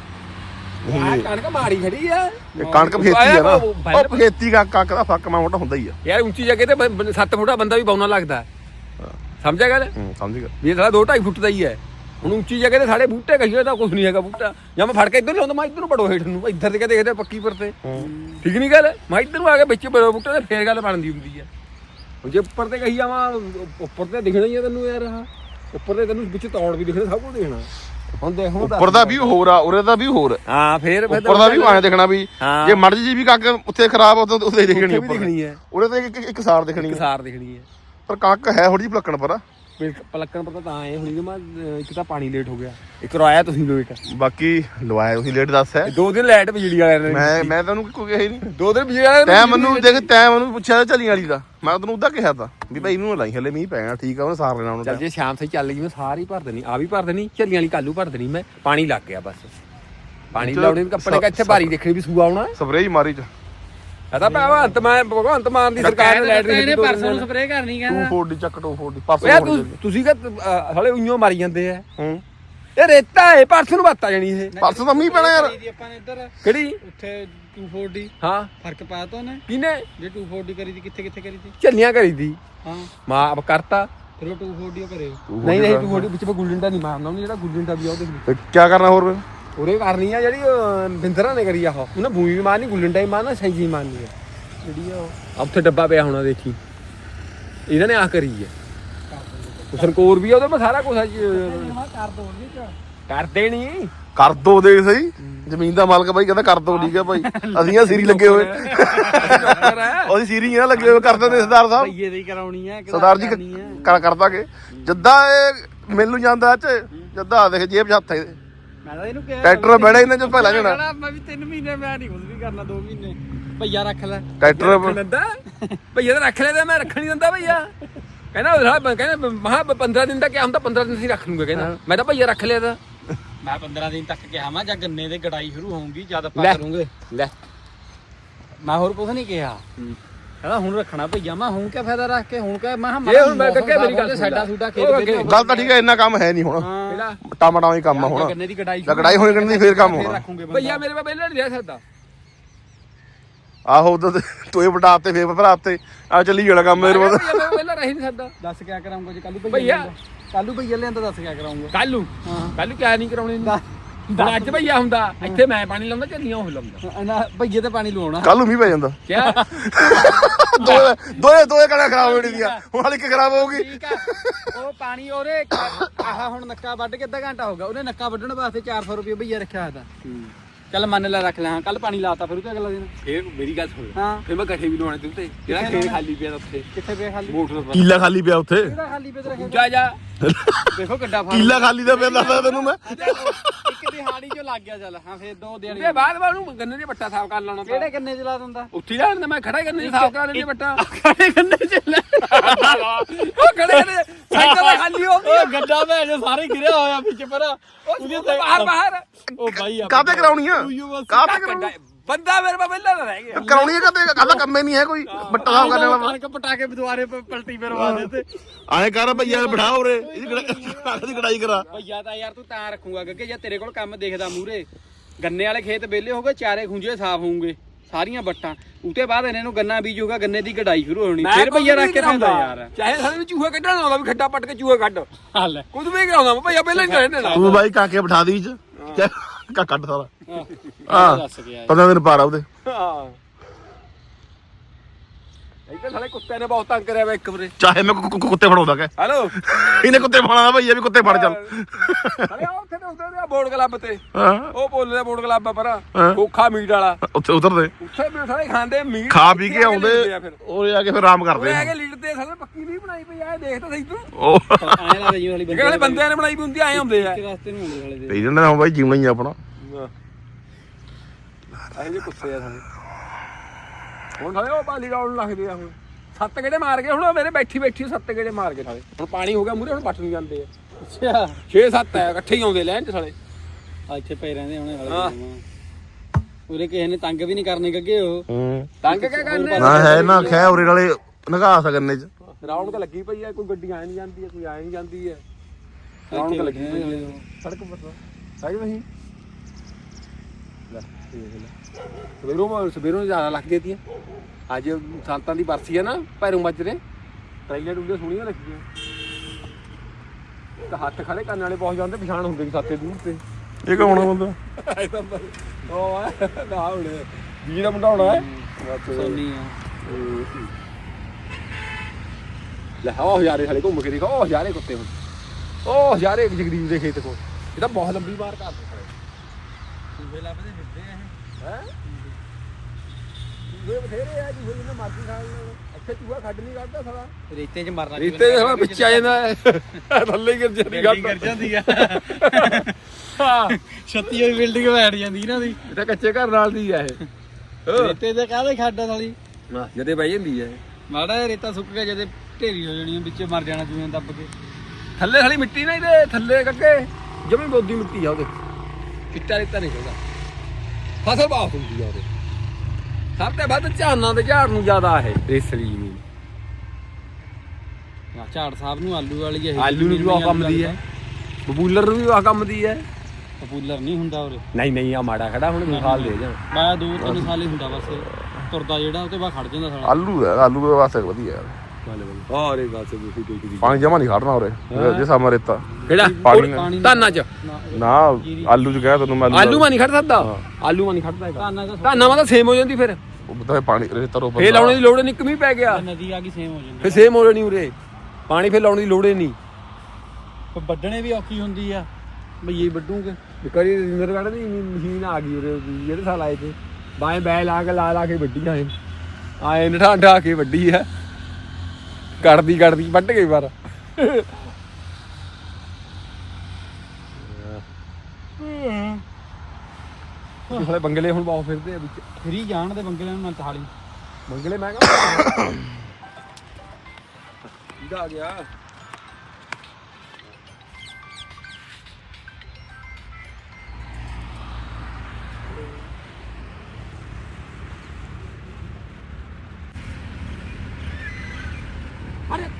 [SPEAKER 1] ਆਹ ਕਣਕ ਮਾੜੀ ਖੜੀ ਆ
[SPEAKER 2] ਇਹ ਕਣਕ ਖੇਤੀ ਆ ਨਾ ਉਹ ਖੇਤੀ ਕਾ ਕੱਕ ਦਾ ਫੱਕ ਮਾ ਮੋਟਾ ਹੁੰਦਾ ਹੀ ਆ
[SPEAKER 1] ਯਾਰ ਉੱਚੀ ਜਗ੍ਹਾ ਤੇ ਸੱਤ ਫੁੱਟਾ ਬੰਦਾ ਵੀ ਬੌਣਾ ਲੱਗਦਾ ਸਮਝਿਆ ਗੱਲ
[SPEAKER 2] ਹੂੰ ਸਮਝ ਗਿਆ
[SPEAKER 1] ਵੀ ਇਹ ਸਾਲਾ ਦੋ ਢਾਈ ਫੁੱਟ ਦਾ ਹੀ ਹੈ ਹੁਣ ਉੱਚੀ ਜਗ੍ਹਾ ਤੇ ਸਾਡੇ ਬੂਟੇ ਕਹੀਏ ਤਾਂ ਕੁਝ ਨਹੀਂ ਹੈਗਾ ਬੂਟਾ ਜਾਂ ਮੈਂ ਫੜ ਕੇ ਇੱਧਰ ਲਿਆਉਂਦਾ ਮੈਂ ਇੱਧਰ ਨੂੰ ਬੜੋ ਹੇਠ ਨੂੰ ਇੱਧਰ ਦੇ ਕੇ ਦੇਖਦੇ ਪੱਕੀ ਪਰ ਤੇ ਠੀਕ ਨਹੀਂ ਗੱਲ ਮੈਂ ਇੱਧਰ ਨੂੰ ਆ ਕੇ ਵਿੱਚ ਬੜੋ ਬੂਟੇ ਤੇ ਫੇਰ ਗੱਲ ਬਣਦੀ ਹੁੰਦੀ ਹੈ ਜੇ ਉੱਪਰ ਤੇ ਕਹੀ ਜਾਵਾਂ ਉੱਪਰ ਤੇ ਦਿਖਣਾ ਹੀ ਆ ਤੈਨੂੰ ਯਾਰ ਆਹ ਉੱਪਰ ਤੇ ਤੈਨੂੰ ਵਿੱਚ ਤੌੜ ਵੀ ਦਿਖਣਾ ਸਭ ਕੁਝ ਦੇਖਣਾ ਹੁਣ ਦੇਖ ਹੁਣ
[SPEAKER 2] ਉੱਪਰ ਦਾ ਵੀ ਹੋਰ ਆ ਉਰੇ ਦਾ ਵੀ ਹੋਰ
[SPEAKER 1] ਹਾਂ ਫੇਰ
[SPEAKER 2] ਉੱਪਰ ਦਾ ਵੀ ਆਇਆ ਦੇਖਣਾ ਵੀ ਜੇ ਮਰਜ ਜੀ ਵੀ ਕੱਕ ਉੱਥੇ ਖਰਾਬ ਉੱਥੇ ਉੱਥੇ ਦਿਖਣੀ
[SPEAKER 1] ਵੀ ਦਿਖਣੀ ਹੈ
[SPEAKER 2] ਉਰੇ ਤੇ ਇੱਕ ਇੱਕ ਸਾਰ ਦਿਖਣੀ ਹੈ
[SPEAKER 1] ਸਾਰ ਦਿਖਣੀ ਹੈ
[SPEAKER 2] ਪਰ ਕਣਕ ਹੈ ਥੋੜੀ ਜਿਹੀ ਪਲੱਕਣ ਪਰ
[SPEAKER 1] ਪਲੱਕਣ ਪਤਾ ਤਾਂ ਆਏ ਹੁਣੀ ਮੈਂ ਇੱਕ ਤਾਂ ਪਾਣੀ ਲੇਟ ਹੋ ਗਿਆ ਇੱਕ ਰੋਇਆ ਤੁਸੀਂ ਲੇਟ
[SPEAKER 2] ਬਾਕੀ ਲਵਾਇਆ ਤੁਸੀਂ ਲੇਟ ਦੱਸ ਹੈ
[SPEAKER 1] ਦੋ ਦਿਨ ਲਾਈਟ ਬਿਜਲੀ ਵਾਲਿਆਂ ਨੇ
[SPEAKER 2] ਮੈਂ ਮੈਂ ਤੈਨੂੰ ਕੋਈ ਕਿਹਾ ਹੀ ਨਹੀਂ
[SPEAKER 1] ਦੋ ਦਿਨ ਬਿਜਲੀ ਵਾਲਿਆਂ
[SPEAKER 2] ਤੈਂ ਮੈਨੂੰ ਦੇਖ ਤੈਂ ਮੈਨੂੰ ਪੁੱਛਿਆ ਝੱਲੀਆਂ ਵਾਲੀ ਦਾ ਮੈਂ ਤੈਨੂੰ ਉਹਦਾ ਕਿਹਾ ਤਾਂ ਵੀ ਭਾਈ ਇਹਨੂੰ ਲਾਈ ਹਲੇ ਮੀਂਹ ਪੈਣਾ ਠੀਕ ਆ ਉਹਨੇ ਸਾਰ ਲੈਣਾ ਉਹਨੂੰ
[SPEAKER 1] ਚੱਲ ਜੇ ਸ਼ਾਮ ਸੇ ਚੱਲ ਗਈ ਮੈਂ ਸਾਰੀ ਭਰ ਦੇਣੀ ਆ ਵੀ ਭਰ ਦੇਣੀ ਝੱਲੀਆਂ ਵਾਲੀ ਕਾਲੂ ਭਰ ਦੇਣੀ ਮੈਂ ਪਾਣੀ ਲੱਗ ਗਿਆ ਬਸ ਪਾਣੀ ਲਾਉਣੇ ਕੱਪੜੇ ਕਾ ਇੱਥੇ ਭਾਰੀ ਦੇਖਣੀ ਵੀ ਸੂਆ ਆਉਣਾ
[SPEAKER 2] ਸਪਰੇਅ ਮਾਰੀ ਚ
[SPEAKER 1] ਇਹ ਤਾਂ ਭਗਵੰਤ ਮਾਨ ਭਗਵੰਤ ਮਾਨ ਦੀ ਸਰਕਾਰ ਨੇ ਲਾਈਟ
[SPEAKER 3] ਇਹਨੇ ਪਰਸੋਂ ਨੂੰ ਸਪਰੇਅ ਕਰਨੀ ਕਹਿੰਦਾ
[SPEAKER 2] ਟੂ ਫੋਰਟੀ ਚੱਕ ਟੂ ਫੋਰਟੀ ਪਰਸੋਂ
[SPEAKER 1] ਯਾਰ ਤੂੰ ਤੁਸੀਂ ਕਿ ਹਲੇ ਉਈਓ ਮਾਰੀ ਜਾਂਦੇ ਆ
[SPEAKER 2] ਹੂੰ
[SPEAKER 1] ਇਹ ਰੇਤਾ ਹੈ ਪਰਸੋਂ ਨੂੰ ਬਾਤ ਆ ਜਾਣੀ ਇਹ
[SPEAKER 2] ਪਰਸੋਂ ਤਾਂ ਮੀਂਹ ਪੈਣਾ ਯਾਰ
[SPEAKER 3] ਆਪਾਂ ਨੇ ਇੱਧਰ
[SPEAKER 1] ਕਿਹੜੀ
[SPEAKER 3] ਉੱਥੇ ਟੂ ਫੋਰਟੀ
[SPEAKER 1] ਹਾਂ
[SPEAKER 3] ਫਰਕ ਪਾਇਆ ਤਾ ਉਹਨੇ
[SPEAKER 1] ਕਿਨੇ
[SPEAKER 3] ਜੇ ਟੂ ਫੋਰਟੀ ਕਰੀ ਸੀ ਕਿੱਥੇ ਕਿੱਥੇ ਕਰੀ ਸੀ
[SPEAKER 1] ਝੱਲੀਆਂ ਕਰੀ ਦੀ
[SPEAKER 3] ਹਾਂ
[SPEAKER 1] ਮਾਂ ਅਬ ਕਰਤਾ
[SPEAKER 3] ਫਿਰ ਉਹ ਟੂ ਫੋਰਟੀ ਕਰੇ
[SPEAKER 1] ਨਹੀਂ ਨਹੀਂ ਤੂੰ ਉਹਦੇ ਵਿੱਚ ਗੁੱਲਡੰਡਾ ਨਹੀਂ ਮਾਰਨਾ ਉਹਨੇ ਜਿਹੜਾ ਗੁੱਲਡੰਡਾ ਵੀ ਆ ਉਹਦੇ ਵਿੱਚ
[SPEAKER 2] ਕੀ ਕਰਨਾ ਹੋਰ
[SPEAKER 1] ਉਰੇ ਕਰਨੀ ਆ ਜਿਹੜੀ ਬਿੰਦਰਾ ਨੇ ਕਰੀ ਆ ਉਹ ਉਹਨੇ ਭੂਮੀ ਵੀ ਮਾਰਨੀ ਗੁੱਲਡੰਡਾ ਹੀ ਮਾਰਨਾ ਸਹੀ ਜੀ ਮਾਰਨੀ ਹੈ ਜਿਹੜੀ ਆ ਉੱਥੇ ਡੱਬਾ ਪਿਆ ਹੋਣਾ ਦੇਖੀ ਇਹਨਾਂ ਨੇ ਆ ਕਰੀ ਹੈ ਸਰਕੋਰ ਵੀ ਆ ਉਹਦੇ ਮੈਂ ਸਾਰਾ ਕੁਝ
[SPEAKER 3] ਕਰ ਦੋ ਉਹਦੇ ਚ
[SPEAKER 1] ਕਰ ਦੇਣੀ
[SPEAKER 2] ਕਰ ਦੋ ਦੇ ਸਹੀ ਜ਼ਮੀਨ ਦਾ ਮਾਲਕ ਬਾਈ ਕਹਿੰਦਾ ਕਰ ਦੋ ਠੀਕ ਹੈ ਭਾਈ ਅਸੀਂ ਆ ਸੀਰੀ ਲੱਗੇ ਹੋਏ ਉਹਦੀ ਸੀਰੀ ਆ ਲੱਗੇ ਹੋਏ ਕਰ ਦਿੰਦੇ ਸਰਦਾਰ ਸਾਹਿਬ
[SPEAKER 3] ਭਈਏ ਦੀ ਕਰਾਉਣੀ ਹੈ
[SPEAKER 2] ਸਰਦਾਰ ਜੀ ਕਰ ਕਰ ਦਾਂਗੇ ਜੱਦਾ ਇਹ ਮੈਨੂੰ ਜਾਂਦਾ ਚ ਜੱਦਾ ਦੇਖ ਜੇਬ ਚ ਹੱਥ ਇਹਦੇ
[SPEAKER 3] ਮੈਂ ਤਾਂ ਇਹਨੂੰ ਕਿਹਾ
[SPEAKER 2] ਟਰੈਕਟਰ ਬੈਠਾ ਇਹਨਾਂ ਚ ਪਹਿਲਾਂ ਜਾਣਾ
[SPEAKER 3] ਮੈਂ ਵੀ ਤਿੰਨ ਮਹੀਨੇ ਮੈਂ ਨਹੀਂ ਕੁਝ ਵੀ ਕਰਨਾ ਦੋ ਮਹੀਨੇ ਭਈਆ ਰੱਖ ਲੈ
[SPEAKER 2] ਟਰੈਕਟਰ
[SPEAKER 1] ਦਿੰਦਾ ਭਈਆ ਤਾਂ ਰੱਖ ਲੈ ਤੇ ਮੈਂ ਰੱਖਣ ਨਹੀਂ ਦਿੰਦਾ ਭਈਆ ਕਹਿੰਦਾ ਕਹਿੰਦਾ ਮਹਾ ਪੰਦਰਾਂ ਦਿਨ ਦਾ ਕਿਹਾ ਹੁੰਦਾ ਪੰਦਰਾਂ ਦਿਨ ਅਸੀਂ ਰੱਖ ਲੂੰਗਾ ਕਹਿੰਦਾ ਮੈਂ ਤਾਂ ਭਈਆ ਰੱਖ ਲਿਆ ਤਾਂ
[SPEAKER 3] ਮੈਂ ਪੰਦਰਾਂ ਦਿਨ ਤੱਕ ਕਿਹਾ ਮੈਂ ਜਾਂ ਗੰਨੇ ਦੇ ਗੜਾਈ ਸ਼ੁਰੂ ਹੋਊਗੀ ਜਦ ਆਪਾਂ
[SPEAKER 1] ਲੈ।
[SPEAKER 3] ਕਰੂੰਗੇ
[SPEAKER 1] ਲੈ
[SPEAKER 3] ਮੈਂ ਹੋਰ ਕੁਝ ਨਹੀਂ ਕਿਹਾ ਕਹਿੰਦਾ ਹੁਣ ਰੱਖਣਾ ਭਈਆ ਮੈਂ ਹੁਣ ਕਿਆ ਫਾਇਦਾ ਰੱਖ ਕੇ ਹੁਣ ਕਿਆ ਮੈਂ
[SPEAKER 1] ਇਹ ਹੁਣ ਮੈਂ ਕਿਹਾ ਮੇਰੀ ਗੱਲ
[SPEAKER 3] ਸਾਡਾ ਸੂਡਾ ਖੇਤ
[SPEAKER 1] ਉਹ
[SPEAKER 3] ਵੇਲੇ
[SPEAKER 2] ਗੱਲ ਤਾਂ ਠੀਕ ਹੈ ਇੰਨਾ ਕੰਮ ਹੈ ਨਹੀਂ ਹੁਣ
[SPEAKER 1] ਕਿਹੜਾ
[SPEAKER 2] ਟਮਾਟਾਂ ਹੀ ਕੰਮ ਆ ਹੁਣ
[SPEAKER 3] ਗੰਨੇ ਦੀ ਗੜਾਈ
[SPEAKER 2] ਲਗੜਾਈ ਹੋਣੀ ਕਰਨੀ ਫੇਰ ਕੰਮ ਹੋਣਾ
[SPEAKER 3] ਰੱਖੂਗੇ ਬੰਦਾ
[SPEAKER 1] ਭਈਆ ਮੇਰੇ ਪਾ ਪਹਿਲਾਂ ਨਹੀਂ ਰਹਿ ਸਕਦਾ
[SPEAKER 2] ਆਹੋ ਉਦੋਂ ਤੋਏ ਵਟਾ ਤੇ ਫੇਰ ਭਰਾ ਤੇ ਆ ਚੱਲੀ ਜਾਣਾ ਕੰਮ ਮੇਰੇ ਕੋਲ
[SPEAKER 1] ਭਈਆ ਮੈਂ ਪਹਿਲਾਂ ਰਹਿ ਨਹੀਂ ਸਕਦਾ
[SPEAKER 3] ਦੱਸ ਕਿਆ ਕਰਾਉਂਗਾ ਜੇ ਕੱਲੂ
[SPEAKER 1] ਭਈਆ
[SPEAKER 3] ਕੱਲੂ ਭਈਆ ਲਿਆਂਦਾ ਦੱਸ ਕਿਆ ਕਰਾਉਂਗਾ
[SPEAKER 1] ਕੱਲੂ ਕੱਲੂ ਕਿਆ ਨਹੀਂ ਕਰਾਉਣੇ ਹੁਣ ਅੱਜ ਭਈਆ ਹੁੰਦਾ ਇੱਥੇ ਮੈਂ ਪਾਣੀ ਲਾਉਂਦਾ ਚੱਲੀਆਂ ਉਹ ਲਾਉਂਦਾ
[SPEAKER 3] ਇਹਨਾਂ ਭਈਏ ਤੇ ਪਾਣੀ ਲਵਾਉਣਾ
[SPEAKER 2] ਕੱਲ ਨੂੰ ਮੀਂਹ ਪੈ ਜਾਂਦਾ
[SPEAKER 1] ਕਿਆ
[SPEAKER 2] ਦੋਏ ਦੋਏ ਦੋਏ ਕੜਾ ਖਰਾਬ ਹੋਣੀ ਦੀਆਂ ਹੁਣ ਹਾਲੇ ਇੱਕ ਖਰਾਬ ਹੋਊਗੀ
[SPEAKER 3] ਠੀਕ ਆ ਉਹ ਪਾਣੀ ਉਹਦੇ ਆਹ ਹੁਣ ਨੱਕਾ ਵੱਢ ਕੇ ਅੱਧਾ ਘੰਟਾ ਹੋ ਗਿਆ ਉਹਨੇ ਨੱਕਾ ਵੱਢਣ ਵਾਸਤੇ ਚਾਰ ਸੌ ਰੁਪਏ ਭਈਆ ਰੱਖਿਆ ਹੋਇਆ ਤਾਂ ਚੱਲ ਮੰਨ ਲੈ ਰੱਖ ਲੈ ਹਾਂ ਕੱਲ ਪਾਣੀ ਲਾਤਾ ਫਿਰ ਉਹ ਤੇ ਅਗਲਾ ਦਿਨ
[SPEAKER 1] ਫੇਰ ਮੇਰੀ ਗੱਲ ਸੁਣ
[SPEAKER 3] ਹਾਂ
[SPEAKER 1] ਫੇਰ ਮੈਂ ਗੱਠੇ ਵੀ ਲਾਉਣੇ ਤੇ ਉੱਤੇ ਜਿਹੜਾ ਖੇਤ ਖਾਲੀ ਪਿਆ ਉੱਥੇ
[SPEAKER 3] ਕਿੱਥੇ ਪਿਆ ਖਾਲੀ
[SPEAKER 1] ਮੋਟਰ ਪਰ
[SPEAKER 2] ਕੀਲਾ ਖਾਲੀ ਪਿਆ ਉੱਥੇ
[SPEAKER 3] ਕਿਹੜਾ ਖਾਲੀ ਪਿਆ ਤੇਰਾ
[SPEAKER 1] ਜਾ ਜਾ
[SPEAKER 3] ਦੇਖੋ ਗੱਡਾ ਫਾੜ
[SPEAKER 2] ਕੀਲਾ ਖਾਲੀ ਦਾ ਪਿਆ ਦੱਸਦਾ ਤੈਨੂੰ ਮੈਂ
[SPEAKER 3] ਇੱਕ ਦਿਹਾੜੀ ਚੋਂ ਲੱਗ ਗਿਆ ਚੱਲ ਹਾਂ ਫੇਰ ਦੋ ਦਿਹਾੜੀ
[SPEAKER 1] ਤੇ ਬਾਅਦ ਬਾਅਦ ਨੂੰ ਗੰਨੇ ਦੇ ਬੱਟਾ ਸਾਫ਼ ਕਰ ਲਾਉਣਾ
[SPEAKER 3] ਕਿਹੜੇ ਗੰਨੇ ਚਲਾ ਦਿੰਦਾ
[SPEAKER 1] ਉੱਥੇ ਜਾ ਮੈਂ ਖੜਾ ਹੀ ਗੰਨੇ ਸਾਫ਼ ਕਰ ਲੈਂਦੇ ਬੱਟਾ
[SPEAKER 3] ਕਿਹੜੇ ਗੰਨੇ ਚ
[SPEAKER 1] ਉਹ ਖੜੇ ਨੇ ਸਾਈਕਲ ਤਾਂ ਖਾਲੀ ਹੋ ਗਈ
[SPEAKER 3] ਉਹ ਗੱਡਾ ਭੈਣ ਜੋ ਸਾਰੇ ਗਿਰਿਆ ਹੋਇਆ ਪਿੱਛੇ ਪਰ
[SPEAKER 1] ਉਹਦੇ ਬਾਹਰ ਬਾਹਰ
[SPEAKER 3] ਉਹ ਬਾਈ ਆ
[SPEAKER 2] ਕਾਹਤੇ ਕਰਾਉਣੀ ਆ ਕਾਹਤੇ ਕਰਾਉਣੀ
[SPEAKER 1] ਬੰਦਾ ਮੇਰੇ ਪਾ ਪਹਿਲਾਂ ਨਾ ਰਹਿ ਗਿਆ
[SPEAKER 2] ਕਰਾਉਣੀ ਆ ਕਾਹਤੇ ਕਾਹਦਾ ਕੰਮ ਹੀ ਨਹੀਂ ਹੈ ਕੋਈ ਬੱਟਾ ਸਾਫ ਕਰਨ ਵਾਲਾ
[SPEAKER 3] ਕਣਕ ਪਟਾ ਕੇ ਦੁਆਰੇ ਪਲਟੀ ਮਰਵਾ ਦੇ ਤੇ
[SPEAKER 2] ਆਏ ਕਰ ਭਈਆ ਬਿਠਾ ਉਰੇ ਇਹਦੀ ਕੜਾਈ ਕਰਾ
[SPEAKER 3] ਭਈਆ ਤਾਂ ਯਾਰ ਤੂੰ ਤਾਂ ਰੱਖੂਗਾ ਕਿ ਜੇ ਤੇਰੇ ਕੋਲ ਕੰਮ ਦੇਖਦਾ ਮੂਰੇ ਗੰਨੇ ਵਾਲੇ ਖੇਤ ਵਿਹਲੇ ਹੋ ਗਏ ਚਾਰੇ ਖੁੰਝੇ ਸਾਫ਼ ਹੋਣਗੇ ਸਾਰੀਆਂ ਬੱਟਾਂ ਉਤੇ ਬਾਅਦ ਇਹਨਾਂ ਨੂੰ ਗੰਨਾ ਬੀਜੂਗਾ ਗੰਨੇ ਦੀ ਕਢਾਈ ਸ਼ੁਰੂ ਹੋਣੀ ਫਿਰ ਭਈਆ ਰੱਖ ਕੇ ਫਾਇਦਾ ਯਾਰ
[SPEAKER 1] ਚਾਹੇ ਸਾਨੂੰ ਚੂਹਾ ਕੱਢਣਾ ਆਉਂਦਾ ਵੀ ਖੱਡਾ ਪੱਟ ਕੇ ਚੂਹਾ ਕੱਢ
[SPEAKER 3] ਹੱਲ
[SPEAKER 1] ਕੁਝ ਵੀ ਕਰਾਉਂਦਾ ਭਈਆ ਪਹਿਲਾਂ ਹੀ ਰਹਿੰਦੇ ਨਾ
[SPEAKER 2] ਤੂੰ ਬਾਈ ਕਾਕੇ ਬਿਠਾ ਦੀ ਚ ਕਾ ਕੱਢ ਸਾਰਾ
[SPEAKER 3] ਹਾਂ ਦੱਸ ਗਿਆ
[SPEAKER 2] ਪੰਦਰਾਂ ਦਿਨ ਪਾਰਾ ਉਹਦੇ
[SPEAKER 1] ਹਾਂ ਇੱਥੇ ਸਾਲੇ ਕੁੱਤੇ ਨੇ ਬਹੁਤ ਤੰਗ ਕਰਿਆ ਵਾ ਇੱਕ ਵਾਰੇ
[SPEAKER 2] ਚਾਹੇ ਮੈਂ ਕੁ- ਕੁ- ਕੁੱਤੇ ਫੜਾਉਂਦਾ ਕਹ
[SPEAKER 1] ਹੈਲੋ
[SPEAKER 2] ਇਹਨੇ ਕੁੱਤੇ ਫੜਾਉਣਾ ਭਈਆ ਵੀ ਕੁੱਤੇ ਫੜ ਚੱਲ
[SPEAKER 1] ਸਾਲੇ ਉਹ ਉੱਥੇ ਤੇ ਉੱਤੇ ਬੋਰਡ ਕਲੱਬ ਤੇ
[SPEAKER 2] ਹਾਂ
[SPEAKER 1] ਉਹ ਬੋਲਦੇ ਬੋਰਡ ਕਲੱਬ ਆ ਪਰਾਂ
[SPEAKER 2] ਹਾਂ।
[SPEAKER 1] ਕੋਖਾ ਮੀਟ ਵਾਲਾ
[SPEAKER 2] ਉੱਥੇ ਉਤਰਦੇ
[SPEAKER 1] ਉੱਥੇ ਵੀ ਸਾਰੇ ਖਾਂਦੇ ਮੀਟ
[SPEAKER 2] ਖਾ ਪੀ ਕੇ
[SPEAKER 1] ਉੱਥੇ
[SPEAKER 2] ਆਉਂਦੇ
[SPEAKER 1] ਲੀਡਦੇ ਆ ਫਿਰ।
[SPEAKER 2] ਉਹ ਆ ਕੇ ਫਿਰ ਆਰਾਮ
[SPEAKER 1] ਉਹ
[SPEAKER 2] ਕਰਦੇ
[SPEAKER 1] ਆ ਕੇ ਲੀਡਦੇ ਸਾਲੇ ਪੱਕੀ ਨਹੀਂ ਬਣਾਈ ਪਈ ਆ ਦੇਖ ਤਾਂ ਸਹੀ ਤੂੰ
[SPEAKER 2] ਉਹ
[SPEAKER 3] ਐਂ ਲੱਗਦਾ ਜਿਵੇਂ ਵਾਲੀ
[SPEAKER 1] ਜਿਹੜੇ ਬੰਦਿਆਂ ਨੇ ਬਣਾਈ ਵੀ ਹੁੰਦੀ ਐ ਆਉਂਦੇ ਆ
[SPEAKER 3] ਰਸਤੇ ਨੂੰ ਆਉਂਦੇ ਵਾਲੇ ਦੇ
[SPEAKER 2] ਪਈ ਜਾਂਦਾ ਨਾ ਬਾਈ ਜੀਵਣਾ ਹੀ ਆਪਣਾ
[SPEAKER 1] ਇਹ ਜੇ ਕੁੱਤੇ ਆ ਸਾਰੇ ਹੁਣ ਸਾਲੇ ਉਹ ਬਾਲੀ ਲਾਉਣ ਲੱਗਦੇ ਆ ਹੁਣ ਸੱਤ ਗੇੜੇ ਮਾਰ ਕੇ ਹੁਣ ਮੇਰੇ ਬੈਠੀ ਬੈਠੀ ਸੱਤ ਗੇੜੇ ਮਾਰ ਕੇ ਸਾਲੇ ਹੁਣ ਪਾਣੀ ਹੋ ਗਿਆ ਮੂਰੇ ਹੁਣ ਪੱਟ ਨੂੰ ਜਾਂਦੇ ਆ
[SPEAKER 3] ਅੱਛਾ
[SPEAKER 1] ਛੇ ਸੱਤ ਆ ਇਕੱਠੇ ਹੀ ਆਉਂਦੇ ਲੈਣ ਚ ਸਾਲੇ
[SPEAKER 3] ਆ ਇੱਥੇ ਪਏ ਰਹਿੰਦੇ ਹੁਣੇ ਵਾਲੇ ਉਰੇ ਕਿਸੇ ਨੇ ਤੰਗ ਵੀ ਨਹੀਂ ਕਰਨੇ ਗੱਗੇ ਉਹ
[SPEAKER 2] ਹੂੰ
[SPEAKER 1] ਤੰਗ ਕਿਆ ਕਰਨੇ
[SPEAKER 2] ਨਾ ਹੈ ਨਾ ਖੈ ਉਰੇ ਨਾਲੇ ਨਗਾ ਸਕਨੇ ਚ
[SPEAKER 1] ਰੌਣਕ ਤਾਂ ਲੱਗੀ ਪਈ ਆ ਕੋਈ ਗੱਡੀ ਆਏ ਨਹੀਂ ਜਾਂਦੀ ਆ ਕੋਈ ਆਏ ਨਹੀਂ ਜਾਂਦੀ ਆ ਰੌਣਕ ਲੱਗੀ ਪਈ ਆ ਸੜਕ ਪਰ ਸਹੀ ਨਹੀਂ ਲੈ ਦੇਖ ਲੈ ਸਵੇਰੋਂ ਸਵੇਰੋਂ ਜ਼ਿਆਦਾ ਲੱਗ ਗਈ ਤੀ ਅੱਜ ਸੰਤਾਂ ਦੀ ਬਰਸੀ ਆ ਨਾ ਭੈਰੂ ਮੱਜਰੇ ਟ੍ਰੇਲਰ ਡੁੱਲੇ ਸੋਹਣੀਆਂ ਲੱਗੀਆਂ ਤਾਂ ਹੱਥ ਖੜੇ ਕਰਨ ਵਾਲੇ ਪਹੁੰਚ ਜਾਂਦੇ ਪਛਾਣ ਹੁੰਦੇ ਵੀ ਸਾਤੇ ਦੂਰ ਤੇ
[SPEAKER 2] ਇਹ ਕੌਣ ਆ ਬੰਦਾ
[SPEAKER 1] ਉਹ ਆ ਨਾ ਹੁਣ ਵੀ ਦਾ ਮੁੰਡਾ ਹੋਣਾ ਹੈ
[SPEAKER 3] ਸੋਨੀ ਆ
[SPEAKER 1] ਲੈ ਉਹ ਹਜ਼ਾਰੇ ਸਾਲੇ ਘੁੰਮ ਕੇ ਦੇਖੋ ਉਹ ਹਜ਼ਾਰੇ ਕੁੱਤੇ ਹੁਣ ਉਹ ਹਜ਼ਾਰੇ ਜਗਦੀਪ ਦੇ ਖੇਤ ਕੋਲ ਇਹ ਤਾਂ ਬਹੁਤ ਲੰਬੀ ਮਾਰ ਕਰਦੇ ਸਾਲੇ
[SPEAKER 3] ਸੂਬੇ ਲੱਭਦੇ ਫਿਰਦੇ ਆ
[SPEAKER 1] ਹੈ ਇਹ ਬਥੇਰੇ ਆ ਜੀ ਜਿੰਨਾ ਮਰਜ਼ੀ ਖਾ ਲੈਣ ਇੱਥੇ ਚੂਹਾ ਖੱਡ ਨਹੀਂ ਕੱਢਦਾ ਸਾਲਾ
[SPEAKER 3] ਇਹ ਰੇਤੇ 'ਚ ਮਰਨਾ
[SPEAKER 1] ਰੇਤੇ ਦੇ ਸਾਲਾ ਵਿੱਚ ਆ ਜਾਂਦਾ ਥੱਲੇ ਗਿਰ ਜਾਂਦੀ ਗੱਲ
[SPEAKER 3] ਗਿਰ ਜਾਂਦੀ ਆ
[SPEAKER 1] ਹਾਂ
[SPEAKER 3] ਛੱਤੀ ਹੋਈ ਬਿਲਡਿੰਗ ਬੈਠ ਜਾਂਦੀ ਇਹਨਾਂ ਦੀ
[SPEAKER 1] ਇਹ ਤਾਂ ਕੱਚੇ ਘਰ ਨਾਲ ਦੀ ਆ ਇਹ
[SPEAKER 3] ਰੇਤੇ ਦੇ ਕਾਹਦੇ ਖਾਡਾ ਸਾਲੀ
[SPEAKER 1] ਨਾ ਜਦੇ ਬਹਿ ਜਾਂਦੀ ਆ
[SPEAKER 3] ਮਾੜਾ ਜਿਹਾ ਰੇਤਾ ਸੁੱਕ ਗਿਆ ਜਦੇ ਢੇਰੀ ਹੋ ਜਾਣੀ ਵਿੱਚ ਮਰ ਜਾਣਾ ਚੂਹੇ ਦੱਬ ਕੇ
[SPEAKER 1] ਥੱਲੇ ਸਾਲੀ ਮਿੱਟੀ ਨਾ ਇਹਦੇ ਥੱਲੇ ਕੱਕੇ ਜਮੀ ਬੋਦੀ ਮਿੱਟੀ ਆ ਉਹਦੇ ਚਿੱਟਾ ਰੇਤਾ ਨਹੀਂ ਹੁੰਦਾ ਫਸਲ ਬਾਤ ਹੁੰਦੀ ਆ ਉਹਦੇ ਸਭ ਤੋਂ ਵੱਧ ਝਾਨਾਂ ਦੇ ਝਾੜ ਨੂੰ ਜ਼ਿਆਦਾ ਹੈ ਰੇਸਲੀ ਜ਼ਮੀਨ
[SPEAKER 3] ਆ ਝਾੜ ਸਾਹਿਬ ਨੂੰ ਆਲੂ ਵਾਲੀ ਇਹ
[SPEAKER 1] ਆਲੂ ਨੂੰ ਵੀ ਆਹ ਕੰਮ ਦੀ ਹੈ ਬਬੂਲਰ ਨੂੰ ਵੀ ਆਹ ਕੰਮ ਦੀ ਹੈ
[SPEAKER 3] ਪਪੂਲਰ ਨਹੀਂ ਹੁੰਦਾ ਉਰੇ
[SPEAKER 1] ਨਹੀਂ ਨਹੀਂ ਆ ਮਾੜਾ ਖੜਾ ਹੁਣ ਮਿਸਾਲ ਦੇ ਜਾ
[SPEAKER 3] ਮੈਂ ਦੋ ਤਿੰਨ ਸਾਲ ਹੀ ਹੁੰਦਾ ਬਸ ਤੁਰਦਾ ਜਿਹੜਾ ਉਹ ਤੇ ਬਾਅਦ ਖੜ ਜਾਂਦਾ ਸਾਲਾ
[SPEAKER 2] ਆਲੂ ਹੈ ਆਲੂ ਦੇ ਵਾਸਤੇ ਵਧੀਆ
[SPEAKER 1] ਔਰੇ ਬਸ ਬੁੱਢੀ ਕੋਈ
[SPEAKER 2] ਪਾਣੀ ਜਮਾ ਨਹੀਂ ਖੜਨਾ ਉਰੇ ਜੇ ਸਾਮਾ ਰੇਤਾ
[SPEAKER 1] ਕਿਹੜਾ
[SPEAKER 2] ਪਾਣੀ
[SPEAKER 1] ਧਾਨਾਂ ਚ
[SPEAKER 2] ਨਾ ਆਲੂ ਚ ਕਹਿ ਤੈਨੂੰ ਮੈਂ
[SPEAKER 1] ਆਲੂ ਮਾ ਨਹੀਂ ਖੜ ਸਕਦਾ ਆਲੂ ਮਾ ਨਹੀਂ ਖੜਦਾ ਹੈਗਾ
[SPEAKER 3] ਧਾਨਾਂ ਦਾ
[SPEAKER 1] ਧਾਨਾਂ ਮਾ ਤਾਂ ਸੇਮ ਹੋ ਜਾਂਦੀ ਫਿਰ
[SPEAKER 2] ਉਹ ਤਾਂ ਪਾਣੀ ਰੇਤਾ ਰੋ
[SPEAKER 1] ਫੇਰ ਲਾਉਣੇ ਦੀ ਲੋੜ ਨਹੀਂ ਕਮੀ ਪੈ ਗਿਆ
[SPEAKER 3] ਨਦੀ ਆ ਗਈ ਸੇਮ ਹੋ ਜਾਂਦੀ
[SPEAKER 1] ਫੇਰ ਸੇਮ ਹੋ ਜਾਣੀ ਉਰੇ ਪਾਣੀ ਫੇਰ ਲਾਉਣ ਦੀ ਲੋੜ ਹੀ ਨਹੀਂ
[SPEAKER 3] ਵੱਢਣੇ ਵੀ ਔਖੀ ਹੁੰਦੀ ਆ ਬਈਏ ਵੱਢੂਗੇ
[SPEAKER 1] ਇੱਕ ਵਾਰੀ ਰਿੰਦਰਗੜ੍ਹ ਦੀ ਮਸ਼ੀਨ ਆ ਗਈ ਉਰੇ ਜਿਹੜੇ ਸਾਲ ਆਏ ਤੇ ਬਾਏ ਬੈ ਲਾ ਕੇ ਲਾ ਲਾ ਕੇ ਵੱਢੀਆਂ ਐ ਆਏ ਨਠਾ ਢਾ ਕੇ ਵੱਢੀ ਹੈ ਕੱਢਦੀ ਕੱਢਦੀ ਵੱਢ ਗਈ ਪਰ ਹਲੇ ਬੰਗਲੇ ਹੁਣ ਬਹੁਤ ਫਿਰਦੇ ਆ ਵਿੱਚ
[SPEAKER 3] ਫਰੀ ਜਾਣ ਦੇ ਬੰਗਲੇ ਨੂੰ ਮੈਂ ਥਾਲੀ
[SPEAKER 1] ਬੰਗਲੇ ਮੈਂ ਕਿਹਾ ਇਹਦਾ ਆ ਗਿਆ ਅਰੇ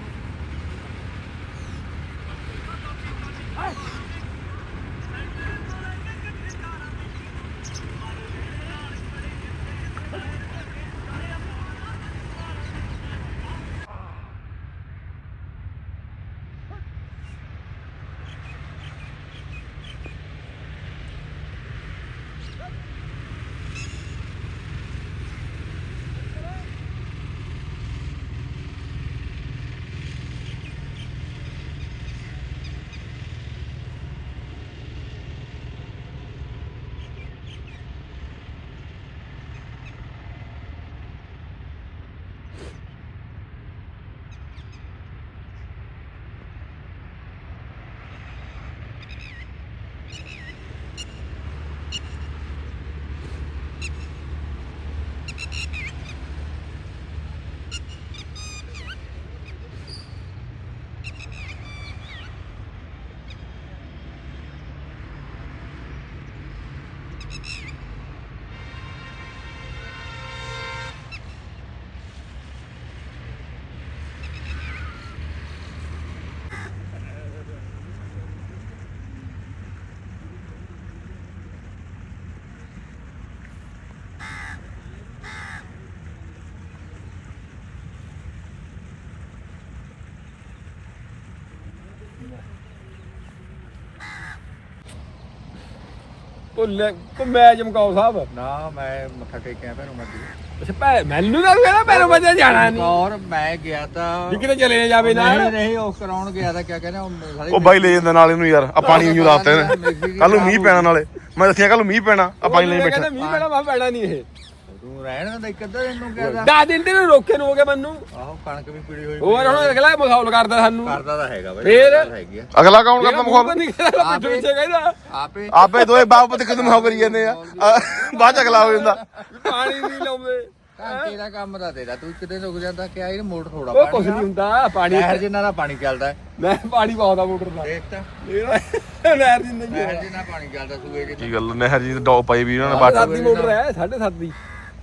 [SPEAKER 1] ਭੁੱਲੇ ਮੈਂ ਚਮਕਾਓ ਸਾਹਿਬ
[SPEAKER 4] ਨਾ ਮੈਂ ਮੱਥਾ ਟੇਕਿਆ ਭੈਣੋਂ ਮੱਦੀ
[SPEAKER 1] ਅੱਛਾ ਭੈ ਮੈਨੂੰ ਤਾਂ ਕਹਿੰਦਾ ਪੈਰੋਂ ਮੱਝਾਂ ਜਾਣਾ ਨਹੀਂ
[SPEAKER 4] ਔਰ ਮੈਂ ਗਿਆ ਤਾਂ
[SPEAKER 1] ਵੀ ਕਿਤੇ ਚਲੇ ਜਾਵੇ ਨਾਲ
[SPEAKER 4] ਨਹੀਂ ਨਹੀਂ ਉਹ ਕਰਾਉਣ ਗਿਆ ਤਾਂ ਕਿਆ ਕਹਿੰਦੇ ਉਹ ਸਾਰੇ
[SPEAKER 2] ਉਹ ਬਾਈ ਲੈ ਜਾਂਦਾ ਨਾਲ ਇਹਨੂੰ ਯਾਰ ਆ ਪਾਣੀ ਨੂੰ ਲਾਤੇ ਨੇ ਕੱਲ ਨੂੰ ਮੀਂਹ ਪੈਣਾ ਨਾਲੇ ਮੈਂ ਦੱਸਿਆ ਕੱਲ ਨੂੰ ਮੀਂਹ ਪੈਣਾ ਆ ਪਾਣੀ ਲਈ ਬੈਠਾ
[SPEAKER 1] ਮੀਂਹ ਪੈਣਾ ਮੈਂ ਪੈਣਾ ਨਹੀਂ ਇਹ
[SPEAKER 4] ਤੂੰ ਰਹਿਣ ਦਾ ਇੱਕ ਅੱਧਾ ਇਹਨੂੰ ਕਿਹਾ
[SPEAKER 1] ਦਸ ਦਿਨ ਤੇ ਰੋਕੇ ਨੂੰ ਹੋ ਗਿਆ ਮੈਨੂੰ
[SPEAKER 4] ਆਹੋ ਕਣਕ ਵੀ ਪੀੜੀ ਹੋਈ
[SPEAKER 1] ਹੋਰ ਹੁਣ ਅਗਲਾ ਮਖੌਲ ਕਰਦਾ ਸਾਨੂੰ
[SPEAKER 4] ਕਰਦਾ ਤਾਂ ਹੈਗਾ ਬਾਈ
[SPEAKER 1] ਫੇਰ?
[SPEAKER 4] ਹੈਗੀ ਆ
[SPEAKER 2] ਅਗਲਾ ਕੌਣ ਕਰਦਾ ਮੁਖਾਬ
[SPEAKER 1] ਨਹੀਂ ਕਹਿੰਦਾ ਪਿੱਛੇ ਪਿੱਛੇ ਕਹਿੰਦਾ
[SPEAKER 4] ਆਪੇ
[SPEAKER 2] ਆਪੇ ਦੋਏ ਬਾਪ ਤੇ ਕਿਦੋਂ ਮੁਖਾਬ ਕਰੀ ਜਾਂਦੇ ਆ ਆ, ਬਾਅਦ ਚ ਅਗਲਾ ਹੋ ਜਾਂਦਾ
[SPEAKER 1] ਪਾਣੀ ਨਹੀਂ ਲਾਉਂਦੇ
[SPEAKER 4] ਘੰਟੇ ਦਾ ਕੰਮ ਤਾਂ ਤੇਰਾ ਤੂੰ ਕਿਤੇ ਰੁਕ ਜਾਂਦਾ ਕਿ ਇਹ ਮੋਟਰ ਥੋੜਾ
[SPEAKER 1] ਉਹ ਕੁਝ ਨਹੀਂ ਹੁੰਦਾ ਪਾਣੀ
[SPEAKER 4] ਨਹਿਰ ਜਿੰਨਾ ਦਾ ਪਾਣੀ ਚੱਲਦਾ ਹੈ।
[SPEAKER 1] ਮੈਂ ਪਾਣੀ ਪਾਉਂਦਾ ਮੋਟਰ ਦਾ
[SPEAKER 4] ਦੇਖ ਤਾਂ
[SPEAKER 1] ਨਹਿਰ ਦੀ ਨਹੀਂ
[SPEAKER 4] ਨਹਿਰ ਜਿੰਨਾ ਪਾਣੀ ਚੱਲਦਾ ਸੂਏ ਜਿੰਨਾ
[SPEAKER 2] ਕੀ ਗੱਲ ਨਹਿਰ ਜੀ ਡੌਪ ਪਾਈ ਵੀ ਉਹਨਾਂ ਨੇ
[SPEAKER 1] ਸਾਢੇ
[SPEAKER 2] ਬਾਟ
[SPEAKER 1] ਸੱਤ ਦੀ ਮੋਟਰ ਹੈ ਸਾਢੇ ਸੱਤ ਦੀ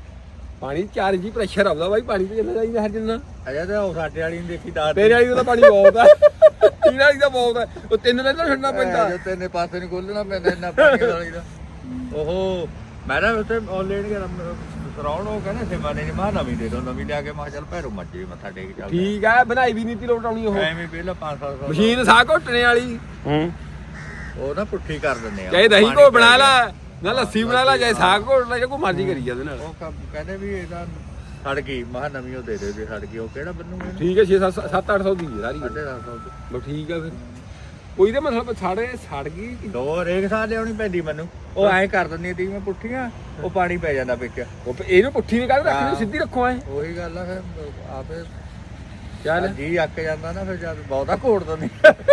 [SPEAKER 1] ਪਾਣੀ ਚਾਰ ਜੀ ਪ੍ਰੈਸ਼ਰ ਆਉਂਦਾ ਬਾਈ ਪਾਣੀ ਤੇ ਕਿੰਨਾ ਚਾਹੀਦਾ ਹਰ ਜਿੰਨਾ
[SPEAKER 4] ਅਜਾ ਤਾਂ ਉਹ ਸਾਡੇ ਵਾਲੀ ਨੂੰ ਦੇਖੀ ਦਾ
[SPEAKER 1] ਤੇਰੇ ਵਾਲੀ ਦਾ ਪਾਣੀ ਬਹੁਤ ਹੈ ਤੇਰੇ ਵਾਲੀ ਦਾ ਬਹੁਤ ਹੈ ਉਹ ਤਿੰਨ ਲੈਣਾ ਛੱਡਣਾ ਪੈਂਦਾ
[SPEAKER 4] ਜੋ ਤੇਨੇ ਪਾਸੇ ਨਹੀਂ ਖੋਲਣਾ ਪੈਂਦਾ ਇੰਨਾ ਪਾਣੀ ਵਾਲੀ ਦਾ ਓਹੋ ਮੈਂ ਨਾ ਉੱਤੇ ਆਨਲਾਈਨ ਗਿਆ ਸਰਾਉਣ ਉਹ ਕਹਿੰਦੇ ਸੇਵਾ ਨੇ ਮਾ ਨਵੀਂ ਦੇ ਦੋ ਨਵੀਂ ਲਿਆ ਕੇ ਮੈਂ ਚੱਲ ਭੈਰੋ ਮੱਜੇ ਮੱਥਾ ਟੇਕ ਚੱਲਦਾ
[SPEAKER 1] ਠੀਕ ਹੈ ਬਣਾਈ ਵੀ ਨੀਤੀ ਲੋਟ ਆਉਣੀ ਉਹ
[SPEAKER 4] ਐਵੇਂ ਪਹਿਲਾਂ ਪੰਜ ਸੱਤ ਸਾਲ
[SPEAKER 1] ਮਸ਼ੀਨ ਸਾਹ ਘੁੱਟਣੇ ਵਾਲੀ
[SPEAKER 2] ਹੂੰ
[SPEAKER 4] ਉਹ ਨਾ ਪੁੱਠੀ ਕਰ ਦਿੰਦੇ ਆ
[SPEAKER 1] ਚਾਹੇ ਦਹੀਂ ਕੋ ਬਣਾ ਲਾ ਨਾ ਲੱਸੀ ਬਣਾ ਲਾ ਚਾਹੇ ਸਾਗ ਘੋਟ ਲਾ ਜਾਂ ਕੋਈ ਮਰਜ਼ੀ ਕਰੀ ਜਾਂਦੇ ਨਾਲ
[SPEAKER 4] ਉਹ ਕੰਮ ਕਹਿੰਦੇ ਵੀ ਇਹਦਾ ਸੜ ਗਈ ਮਹਾ ਨਵੀਂ ਉਹ ਦੇ ਦੇ ਜੇ ਸੜ ਗਈ ਉਹ ਕਿਹੜਾ ਬੰਨੂਗੇ ਇਹਨੂੰ?
[SPEAKER 1] ਠੀਕ ਹੈ ਛੇ ਸੱਤ ਅੱਠ ਸੌ ਦੀ ਹੈ ਸਾਰੀ
[SPEAKER 4] ਸਾਢੇ ਦਸ ਸੌ ਦੀ।
[SPEAKER 1] ਬਸ ਠੀਕ ਹੈ ਫਿਰ ਕੋਈ ਤੇ ਮਤਲਬ ਸਾੜੇ ਸੜ ਗਈ
[SPEAKER 4] ਦੋ ਰੇਖ ਸਾਹ ਲਿਆਉਣੀ ਪੈਂਦੀ ਮੈਨੂੰ ਉਹ ਐਂ ਕਰ ਦਿੰਦੀ ਤੀ ਮੈਂ ਪੁੱਠੀਆਂ ਉਹ ਪਾਣੀ ਪੈ ਜਾਂਦਾ ਵਿੱਚ
[SPEAKER 1] ਉਹ ਇਹਨੂੰ ਪੁੱਠੀ ਨਹੀਂ ਕਰ ਰੱਖਣੀ ਸਿੱਧੀ ਰੱਖੋ ਐ
[SPEAKER 4] ਉਹੀ ਗੱਲ ਆ ਫਿਰ ਆਪੇ
[SPEAKER 1] ਚੱਲ
[SPEAKER 4] ਜੀ ਅੱਕ ਜਾਂਦਾ ਨਾ ਫਿਰ ਜਦ ਬਹੁਤਾ ਘੋੜ ਦਿੰਦੀ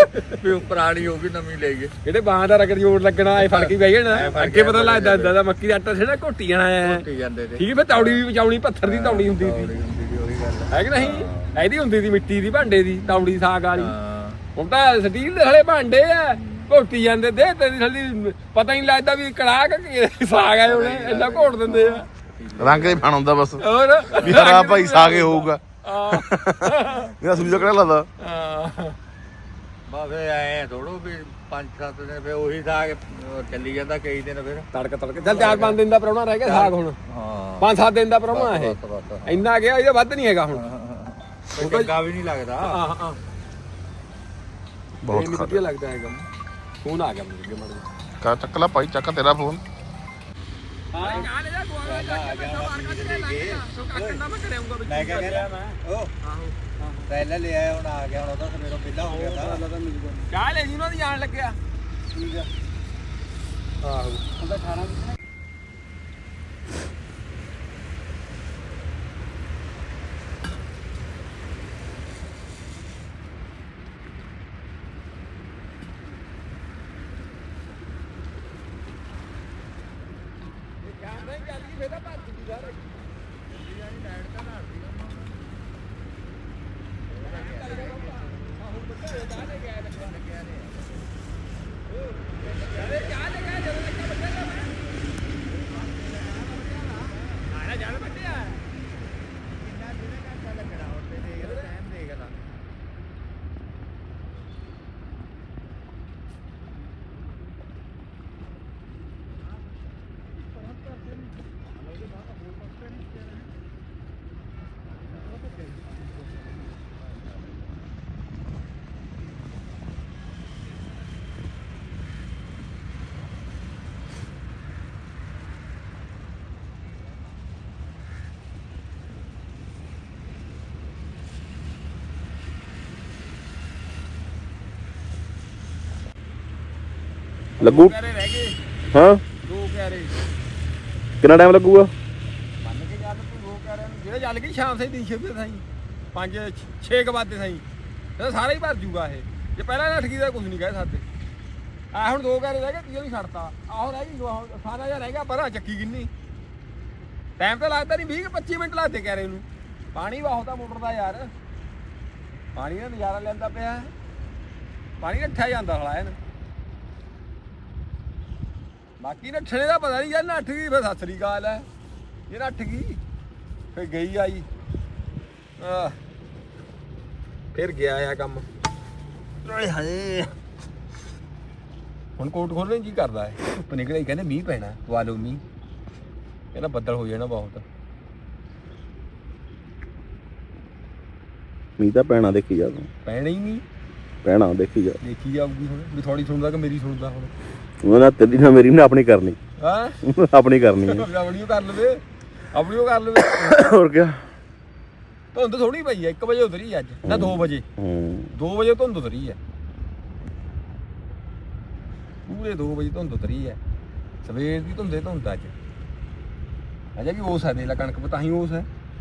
[SPEAKER 4] ਵੀ ਉਹ ਪੁਰਾਣੀ ਹੋ ਗਈ ਨਵੀਂ ਲੈ ਗਏ
[SPEAKER 1] ਜਿਹੜੇ ਬਾਹਾਂ ਦਾ ਰਗੜ ਜੋੜ ਲੱਗਣਾ ਇਹ ਫੜ ਕੇ ਬਹਿ ਜਾਣਾ
[SPEAKER 4] ਐਂ ਫੜ
[SPEAKER 1] ਅੱਗੇ
[SPEAKER 4] ਕੇ
[SPEAKER 1] ਪਤਾ ਲੱਗਦਾ ਹੁੰਦਾ ਦਾ ਮੱਕੀ ਦਾ ਆਟਾ ਛੇੜਾ ਘੋਟੀ ਜਾਣਾ ਐ
[SPEAKER 4] ਘੋਟੀ ਜਾਂਦੇ ਤੇ
[SPEAKER 1] ਠੀਕ ਹੈ ਫਿਰ ਤੌੜੀ ਵੀ ਬਚਾਉਣੀ ਪੱਥਰ ਦੀ ਤੌੜੀ ਹੁੰਦੀ
[SPEAKER 4] ਹੌਲੀ
[SPEAKER 1] ਸੀ
[SPEAKER 4] ਹੁੰਦੀ ਸੀ, ਉਹੀ ਗੱਲ ਆ।
[SPEAKER 1] ਹੈ ਕਿ ਨਹੀਂ ਇਹਦੀ ਹੁੰਦੀ ਸੀ ਮਿੱਟੀ ਦੀ ਭਾਂਡੇ ਦੀ ਤੌੜੀ ਸਾਗ ਵਾਲੀ
[SPEAKER 4] ਹਾਂ
[SPEAKER 1] ਹੁਣ ਤਾਂ ਸਟੀਲ ਦੇ ਹਲੇ ਭਾਂਡੇ ਆ ਘੋਟੀ ਜਾਂਦੇ ਦੇ ਤੇਰੀ ਥੱਲੀ ਪਤਾ ਹੀ ਨਹੀਂ ਲੱਗਦਾ ਵੀ ਕੜਾਹ ਕਿ ਸਾਗ ਆਏ ਉਹਨੇ ਇੰਨਾ ਘੋਟ ਦਿੰਦੇ ਆ
[SPEAKER 2] ਰੰਗ ਦੇ ਫਣ ਹੁੰਦਾ ਬਸ
[SPEAKER 1] ਹੋਰ
[SPEAKER 2] ਵੀ ਹਰਾ ਭਾਈ ਸਾਗੇ ਹੋਊਗਾ
[SPEAKER 1] ਆ
[SPEAKER 2] ਮੇਰਾ ਸੂਝਾ ਕਿਹੜਾ ਲੱਗਦਾ
[SPEAKER 4] ਬਸ ਫਿਰ ਐ ਥੋੜੋ ਵੀ ਪੰਜ ਸੱਤ ਦਿਨ ਫਿਰ ਉਹੀ ਸਾਗ ਚੱਲੀ ਜਾਂਦਾ ਕਈ ਦਿਨ ਫਿਰ
[SPEAKER 1] ਤੜਕ ਤੜਕ ਚੱਲ ਚਾਰ ਪੰਜ ਦਿਨ ਦਾ ਪ੍ਰਾਹੁਣਾ ਰਹਿ ਗਿਆ ਸਾਗ ਹੁਣ
[SPEAKER 4] ਹਾਂ
[SPEAKER 1] ਪੰਜ ਸੱਤ ਦਿਨ ਦਾ ਪ੍ਰਾਹੁਣਾ ਇਹ
[SPEAKER 4] ਬਸ, ਬਸ, ਬਸ।
[SPEAKER 1] ਇੰਨਾ ਗਿਆ ਇਹਦਾ ਵੱਧ ਨਹੀਂ ਹੈਗਾ ਹੁਣ
[SPEAKER 4] ਕੋਈ ਚੰਗਾ ਵੀ ਨਹੀਂ ਲੱਗਦਾ
[SPEAKER 1] ਹਾਂ ਹਾਂ
[SPEAKER 2] ਬਹੁਤ
[SPEAKER 1] ਬਹੁਤ ਵਧੀਆ ਲੱਗਦਾ ਹੈਗਾ ਫੋਨ ਆ ਗਿਆ ਮੈਨੂੰ ਅੱਗੇ ਮੜ
[SPEAKER 2] ਕਾ ਚੱਕ ਲੈ ਭਾਈ ਚੱਕ ਤੇਰਾ ਫੋਨ
[SPEAKER 4] ਮੈਂ ਕਿਹਾ ਕਹਿ ਮੈਂ ਉਹ ਪਹਿਲਾਂ ਲੈ ਆਇਆ ਹੁਣ ਆ ਗਿਆ ਹੁਣ ਉਹਦਾ ਤੇ ਮੇਰਾ ਪਹਿਲਾਂ ਹੋ ਗਿਆ ਤਾਂ
[SPEAKER 1] ਚਾਹ ਲੈ ਜੀ ਉਹਨਾਂ ਦੀ ਜਾਣ ਲੱਗਿਆ
[SPEAKER 4] ਠੀਕ ਆ
[SPEAKER 1] ਆਹੋ
[SPEAKER 3] ਉਹਦਾ ਅਠਾਰਾਂ ਦੀ ਨਾ
[SPEAKER 2] ਲੱਗੂ
[SPEAKER 1] ਕਹਿਰੇ ਰਹਿ ਗਏ
[SPEAKER 2] ਹਾਂ
[SPEAKER 1] ਦੋ ਕਹਿਰੇ
[SPEAKER 2] ਕਿੰਨਾ ਟਾਈਮ ਲੱਗੂਗਾ
[SPEAKER 1] ਮੰਨ ਕੇ ਚੱਲ ਤੂੰ ਦੋ ਕਹਿਰਿਆਂ ਨੂੰ ਜਿਹੜੇ ਚੱਲ ਗਈ ਸ਼ਾਮ ਸੇ ਦੀ ਛੇ ਸਾਈ ਪੰਜ ਛੇ ਕ ਬਾਦੇ ਸਾਈ ਇਹ ਸਾਰਾ ਹੀ ਭਰ ਜੂਗਾ ਇਹ ਜੇ ਪਹਿਲਾਂ ਨਾ ਠਗੀ ਦਾ ਕੁਝ ਨਹੀਂ ਕਹਿ ਸਕਦੇ ਆ ਹੁਣ ਦੋ ਕਹਿਰੇ ਰਹਿ ਗਏ ਤੀਜਾ ਵੀ ਛੱਡਤਾ ਆਹੋ ਰਹਿ ਗਈ ਸਾਰਾ ਜਿਹਾ ਰਹਿ ਗਿਆ ਪਰਾਂ ਚੱਕੀ ਕਿੰਨੀ ਟਾਈਮ ਤਾਂ ਲੱਗਦਾ ਨਹੀਂ ਵੀਹ ਪੱਚੀ ਮਿੰਟ ਲੱਗਦੇ ਕਹਿਰੇ ਨੂੰ ਪਾਣੀ ਬਹੁਤ ਆ ਮੋਟਰ ਦਾ ਯਾਰ ਪਾਣੀ ਦਾ ਨਜ਼ਾਰਾ ਲੈਂਦਾ ਪਿਆ ਪਾਣੀ ਨੱਠਿਆ ਜਾਂਦਾ ਹਲਾ ਇਹਨ ਬਾਕੀ ਨੱਠਣੇ ਦਾ ਪਤਾ ਨਹੀਂ ਯਾਰ ਨੱਠ ਗਈ ਫਿਰ ਸਤਿ ਸ੍ਰੀ ਅਕਾਲ ਹੈ ਇਹ ਨੱਠ ਗਈ ਫਿਰ ਗਈ ਆਈ ਆ ਫਿਰ ਗਿਆ ਆ ਕੰਮ ਓਏ ਹਾਏ ਹੁਣ ਕੋਟ ਖੋਲਣ ਜੀ ਕਰਦਾ ਹੈ ਧੁੱਪ ਨਿਕਲੇ ਕਹਿੰਦੇ ਮੀਂਹ ਪੈਣਾ ਪਵਾ ਲਓ ਮੀਂਹ ਕਹਿੰਦਾ ਬੱਦਲ ਹੋ ਜਾਣਾ ਬਹੁਤ
[SPEAKER 2] ਮੀਂਹ ਤਾਂ ਪੈਣਾ ਦੇਖੀ ਜਾ ਤੂੰ
[SPEAKER 1] ਪੈਣਾ ਹੀ ਨਹੀਂ
[SPEAKER 2] ਪੈਣਾ ਦੇਖੀ ਜਾ
[SPEAKER 1] ਦੇਖੀ ਜਾਊਗੀ ਹੁਣ ਵੀ ਥੋੜੀ ਸੁਣਦਾ ਕਿ ਮੇਰੀ ਸੁਣਦਾ ਹੁਣ
[SPEAKER 2] ਉਹਨਾਂ ਤੇਰੀ ਨਾ ਮੇਰੀ ਨਾ ਆਪਣੀ ਕਰਨੀ
[SPEAKER 1] ਹਾਂ
[SPEAKER 2] ਆਪਣੀ ਕਰਨੀ ਹੈ
[SPEAKER 1] ਆਪਣੀ ਓ ਕਰ ਲਵੇ ਆਪਣੀ ਓ ਕਰ ਲਵੇ
[SPEAKER 2] ਹੋਰ ਕੀ
[SPEAKER 1] ਧੁੰਦ ਥੋੜੀ ਪਈ ਆ ਇੱਕ ਵਜੇ ਉਤਰੀ ਅੱਜ ਨਾ ਦੋ ਵਜੇ
[SPEAKER 2] ਹੂੰ
[SPEAKER 1] ਦੋ ਵਜੇ ਧੁੰਦ ਉਤਰੀ ਆ ਪੂਰੇ ਦੋ ਵਜੇ ਧੁੰਦ ਉਤਰੀ ਆ ਸਵੇਰ ਦੀ ਧੁੰਦੇ ਧੁੰਦ ਅੱਜ ਅਜੇ ਵੀ ਉਸ ਹੈ ਦੇ ਲਾ ਕਣਕ ਪਤਾ ਹੀ ਉਸ ਹੈ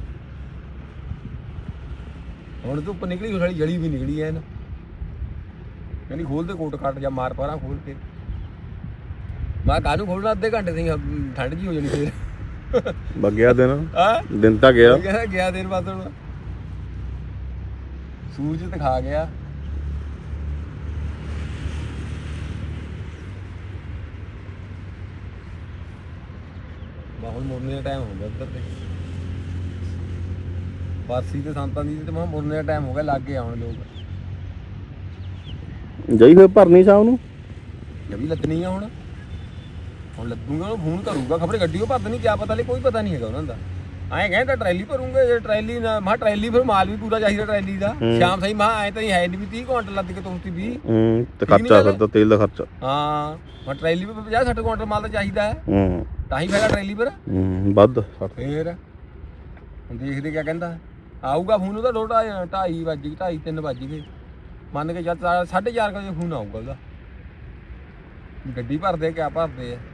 [SPEAKER 1] ਹੁਣ ਧੁੱਪ ਨਿਕਲੀ ਸਾਡੀ ਜਲੀ ਵੀ ਨਿਕਲੀ ਐ ਨਾ ਕਹਿੰਦੀ ਖੋਲ ਦੇ ਕੋਟ ਕੱਟ ਜਾਂ ਮਾਰ ਪਾਰਾਂ ਖੋਲ ਕੇ ਮੈਂ ਕਾਹਨੂੰ ਖੋਲਣਾ ਅੱਧੇ ਘੰਟੇ ਦੀ ਠੰਡ ਜੀ ਹੋ ਜਾਣੀ ਫੇਰ
[SPEAKER 2] ਬੱਗਿਆ ਦਿਨ
[SPEAKER 1] ਹਾਂ
[SPEAKER 2] ਦਿਨ ਤਾਂ ਗਿਆ
[SPEAKER 1] ਕਹਿੰਦਾ ਗਿਆ ਦਿਨ ਬਾਅਦ ਹੁਣ ਸੂਰਜ ਦਿਖਾ ਗਿਆ ਬਹੁਤ ਮੁਰਨੇ ਦਾ ਟਾਈਮ ਹੋ ਗਿਆ ਉੱਧਰ ਤੇ ਬਾਰਸੀ ਤੇ ਸੰਤਾਂ ਦੀ ਤੇ ਮੈਂ ਮੁਰਨੇ ਦਾ ਟਾਈਮ ਹੋ ਗਿਆ ਲੱਗ ਗਏ ਆਉਣ ਲੋਕ
[SPEAKER 2] ਜਾਈ ਫੇਰ ਭਰਨੀ ਸ਼ਾਮ ਨੂੰ
[SPEAKER 1] ਜਵੀ ਲੱਦਣੀ ਆ ਹੁਣ ਹੁਣ ਲੱਦੂਗਾ ਉਹਨੂੰ ਫੋਨ ਕਰੂਗਾ ਖਬਰੇ ਗੱਡੀ ਉਹ ਭਰਦ ਨਹੀਂ ਕਿਆ ਪਤਾ ਲੈ ਕੋਈ ਪਤਾ ਨਹੀਂ ਹੈਗਾ ਉਹਨਾਂ ਦਾ ਐਂ ਕਹਿੰਦਾ ਟਰੈਲੀ ਭਰੂਗੇ ਜੇ ਟਰੈਲੀ ਨਾ ਮਾ ਟਰੈਲੀ ਫਿਰ ਮਾਲ ਵੀ ਪੂਰਾ ਚਾਹੀਦਾ ਟਰੈਲੀ ਦਾ ਸ਼ਾਮ ਸਹੀ ਮਾ ਐ ਤਾਂ ਹੀ ਹੈ ਨਹੀਂ ਵੀ ਤੀਹ ਕੁਆਂਟਲ ਲੱਦ ਕੇ ਤੋਰਤੀ ਵੀਹ
[SPEAKER 2] ਹੂੰ ਤੇ ਖਰਚਾ ਫਿਰ ਤਾਂ ਤੇਲ ਦਾ ਖਰਚਾ
[SPEAKER 1] ਹਾਂ ਮਾ ਟਰੈਲੀ ਵੀ ਪੰਜਾਹ ਸੱਠ ਕੁਆਂਟਲ ਮਾਲ ਤਾਂ ਚਾਹੀਦਾ ਹੈ
[SPEAKER 2] ਹੂੰ
[SPEAKER 1] ਤਾਂ ਹੀ ਫਾਇਦਾ ਟਰੈਲੀ ਪਰ
[SPEAKER 2] ਹੂੰ ਵੱਧ
[SPEAKER 1] ਫੇਰ ਹੁਣ ਦੇਖਦੇ ਕਿਆ ਕਹਿੰਦਾ ਆਊਗਾ ਫੋਨ ਉਹਦਾ ਲੋਟਾ ਢਾਈ ਵੱਜ ਗਈ ਢਾਈ ਤਿੰਨ ਵੱਜ ਗਏ ਮੰਨ ਕੇ ਚੱਲ ਸਾਢੇ ਚਾਰ ਵਜੇ ਫੋਨ ਆਊਗਾ ਉਹਦਾ ਗੱਡੀ ਭਰਦੇ ਕਿਆ ਭਰਦੇ ਆ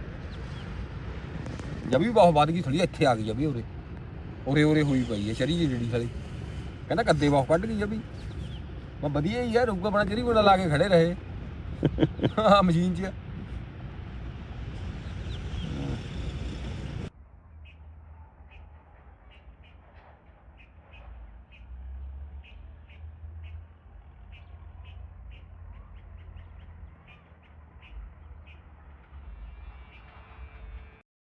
[SPEAKER 1] ਜਬੀ ਬਹੁਤ ਵੱਧ ਗਈ ਥੋੜੀ ਇੱਥੇ ਆ ਗਈ ਜਬੀ ਉਰੇ ਉਰੇ ਉਰੇ ਹੋਈ ਪਈ ਹੈ ਚਰੀ ਜਿਹੜੀ ਸਾਲੀ ਕਹਿੰਦਾ ਕੱਦੇ ਬਹੁਤ ਕੱਢ ਗਈ ਜਬੀ ਮੈਂ ਵਧੀਆ ਹੀ ਯਾਰ ਰੁੱਗਾ ਬਣਾ ਚਰੀ ਬਣਾ ਲਾ ਕੇ ਖੜੇ ਰਹੇ ਹਾਂ ਮਸ਼ੀਨ 'ਚ